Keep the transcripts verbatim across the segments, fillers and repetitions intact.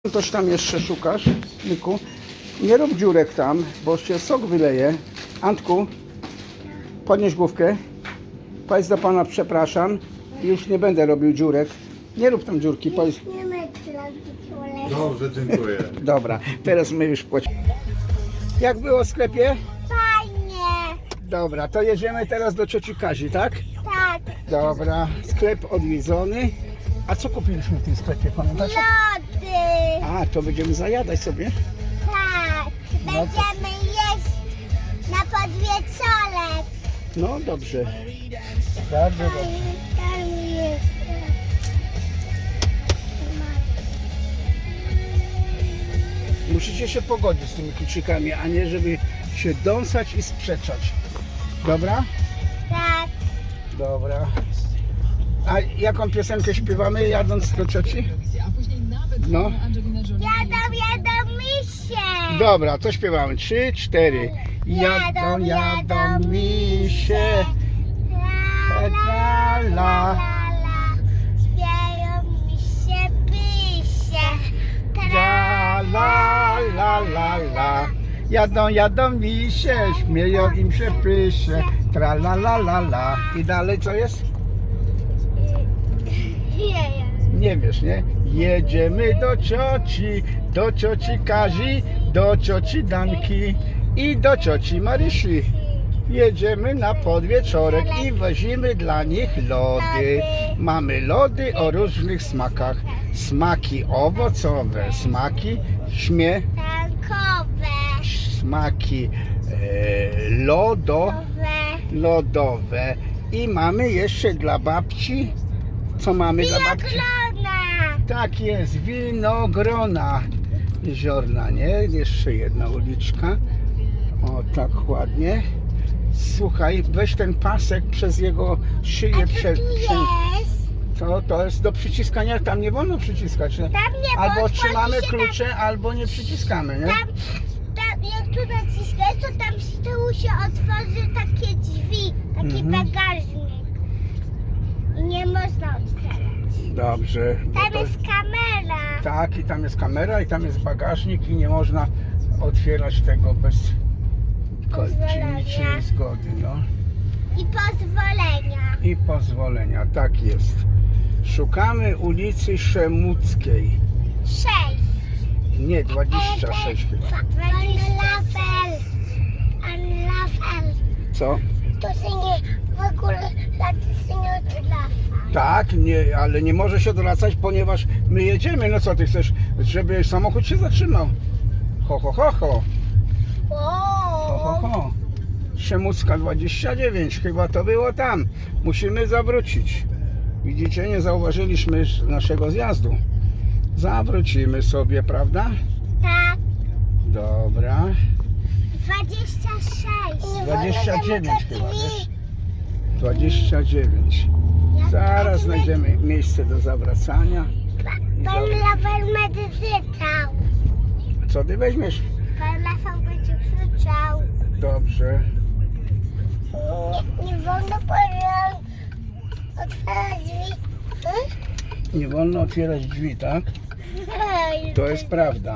Coś tam jeszcze szukasz, Miku? Nie rób dziurek tam, bo się sok wyleje. Antku, podnieś główkę. Powiedz do pana przepraszam i już nie będę robił dziurek. Nie rób tam dziurki. Powiedz... Dobrze, dziękuję. Dobra, teraz my już płacimy. Jak było w sklepie? Fajnie. Dobra, to jedziemy teraz do cioci Kazi, tak? Tak. Dobra, sklep odwiedzony. A co kupiliśmy w tym sklepie, pamiętasz? Lody. A, to będziemy zajadać sobie. Tak. No to- Będziemy jeść na podwieczorek. No dobrze. Bardzo dobrze. Tam jest. Musicie się pogodzić z tymi kluczykami, a nie żeby się dąsać i sprzeczać. Dobra? Tak. Dobra. A jaką piosenkę śpiewamy jadąc do cioci? No. Jadą, jadą misie. Dobra, to śpiewamy. Trzy, cztery. Jadą, jadą misie. La, La, la. la. Śpiewają misie, pisie. La, la, la, la, la. Jadą, jadą misie, śmieją im się pysie. Tra, la, la, la, la. I dalej co jest? Nie wiesz, nie? Jedziemy do cioci, do cioci Kazi, do cioci Danki i do cioci Marysi. Jedziemy na podwieczorek i wozimy dla nich lody. Mamy lody o różnych smakach. Smaki owocowe, smaki śmie, Tankowe. smaki e, lodo, lodowe. I mamy jeszcze dla babci, co mamy dla babci? Winogrona. Tak jest, winogrona jeziorna, nie? Jeszcze jedna uliczka. O, tak ładnie. Słuchaj, weź ten pasek przez jego szyję. A co Prze, tu prze, jest? to, to jest do przyciskania, tam nie wolno przyciskać. Nie? Tam nie, bo Albo otworzy trzymamy się klucze, albo nie przyciskamy, nie? Tam, tam, jak tu naciskasz, to tam z tyłu się otworzy takie drzwi, taki Mhm. bagażnik. I nie można otwierać. Dobrze. bo Tam to- jest kamera. Tak, i tam jest kamera, i tam jest bagażnik i nie można otwierać tego bez ko- Pozwolenia. niczyjej zgody, no. I pozwolenia. I pozwolenia, tak jest. Szukamy ulicy Szemuckiej. Sześć. Nie, dwadzieścia sześć chyba. Anlafel. Anlafel. Co? To się nie, w ogóle taty się nie odlafa. Tak, nie, ale nie może się odwracać, ponieważ my jedziemy. No co ty chcesz, żeby samochód się zatrzymał? Ho, ho, ho, ho. Ho, ho, ho. Szemucka dwadzieścia dziewięć, chyba to było tam. Musimy zawrócić. Widzicie, nie zauważyliśmy naszego zjazdu. Zawrócimy sobie, prawda? Tak. Dobra. Dwadzieścia sześć. dwadzieścia dziewięć chyba, wiesz? dwadzieścia dziewięć. Zaraz znajdziemy miejsce do zawracania. Pan Lafel będzie krzyczał. Co ty weźmiesz? Pan Lafel będzie krzyczał. Dobrze. Nie, nie wolno powiedzieć otwierać drzwi. Hmm? Nie wolno otwierać drzwi, tak? To jest prawda.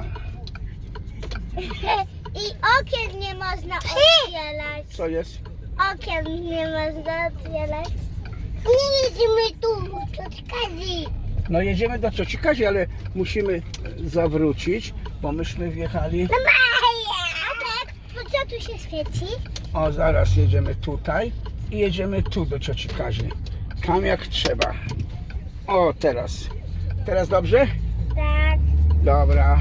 I okien nie można otwierać. Co jest? Okien nie można otwierać. Nie jedziemy tu, to Kazi. No jedziemy do cioci Kazi, ale musimy zawrócić, bo myśmy wjechali. No Maja! A tak, po co tu się świeci? O, zaraz jedziemy tutaj i jedziemy tu do cioci Kazi. Tam jak trzeba. O, teraz. Teraz dobrze? Tak. Dobra.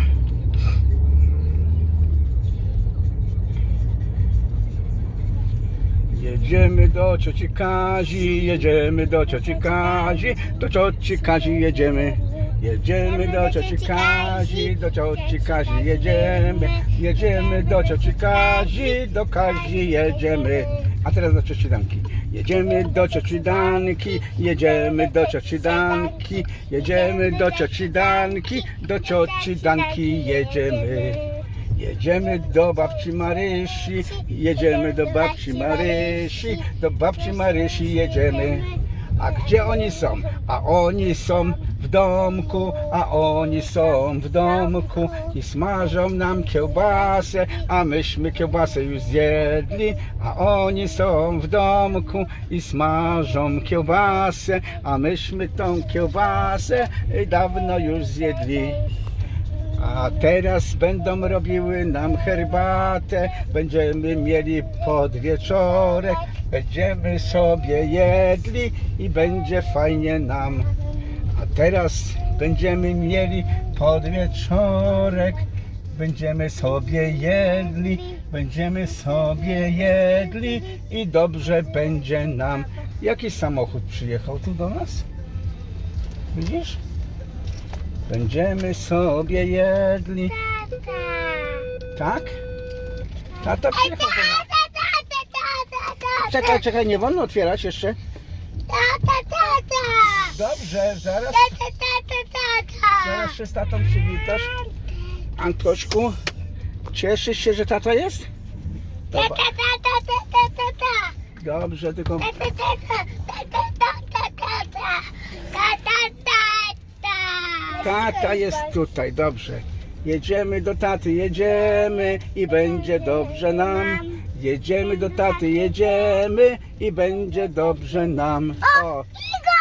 Jedziemy do cioci Kazi, jedziemy do cioci Kazi, do cioci Kazi jedziemy. Jedziemy do cioci Kazi, do cioci Kazi jedziemy. Jedziemy do cioci Kazi, do Kazi jedziemy. A teraz do cioci Danki. Jedziemy do cioci Danki, jedziemy do cioci Danki, jedziemy do cioci Danki, do cioci Danki jedziemy. Jedziemy do babci Marysi, jedziemy do babci Marysi, do babci Marysi jedziemy. A gdzie oni są? A oni są w domku, a oni są w domku i smażą nam kiełbasę, a myśmy kiełbasę już zjedli, a oni są w domku i smażą kiełbasę, a myśmy tą kiełbasę dawno już zjedli. A teraz będą robiły nam herbatę, będziemy mieli podwieczorek, będziemy sobie jedli i będzie fajnie nam. A teraz będziemy mieli podwieczorek, będziemy sobie jedli, będziemy sobie jedli i dobrze będzie nam. Jaki samochód przyjechał tu do nas? Widzisz? Będziemy sobie jedli. Tata. Tak? Tata przyjechał do nas. Tata, tata, tata. Czekaj, czekaj, nie wolno otwierać jeszcze. Tata, tata. Dobrze, zaraz, Tata, tata, tata. zaraz się z tatą przywitasz. Antośku, cieszysz się, że tata jest? Tata, Dobra. tata, tata, tata. Dobrze, tylko Tata, tata, tata, tata, tata. Tata, tata. tata jest tutaj, dobrze. Jedziemy do taty, jedziemy i będzie dobrze nam. Jedziemy do taty, jedziemy i będzie dobrze nam. O, Igor!